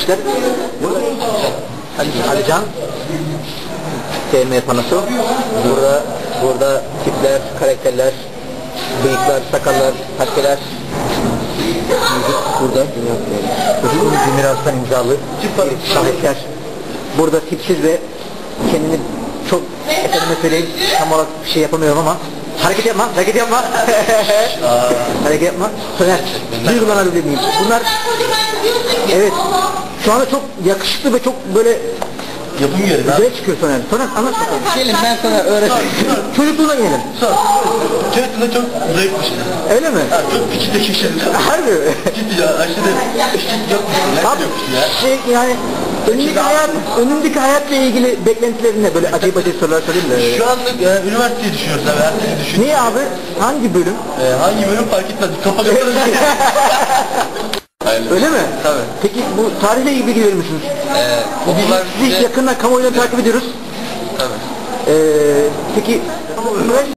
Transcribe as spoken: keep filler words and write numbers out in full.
etmişler. Ali, Alican T M panosu. Burada burada tipler, karakterler, bıyıklar, sakallar, taskeler. Burada Özgür Demiras'tan imzalı şahitler. Burada tipsiz ve kendini çok efendime söyleyeyim tam olarak bir şey yapamıyorum ama hareket yapma, hareket yapma. Hareket yapma. Soner, duygulanabilir miyim? Bunlar evet şu anda çok yakışıklı ve çok böyle yapım yeri. Güzel çıkıyor Soner. Soner anlat bakalım. Gelin ben sana öğreteyim. Çocukluğuna gelin. Sor. Çocukluğunda çok zayıfmış. Öyle mi? Ha, çok küçük de şişirdi. Harbi mi? Ciddi ya, aşırı küçük yokmuş. Abi, şey yani önündeki hayat, önündeki hayatla ilgili beklentilerin ne? Böyle acayip acayip sorular sorayım da. Şu anlık e, üniversiteyi düşünüyoruz abi, her şeyi düşünüyoruz. Niye abi? Hangi bölüm? E, hangi bölüm fark etmez. Kafa kafanız. Öyle mi? Tabii. Peki bu tarihle ilgili bilgi verir misiniz? Ee, Biz, okullar biz bize... yakından kamuoyunu takip ediyoruz. Tabii. Ee, peki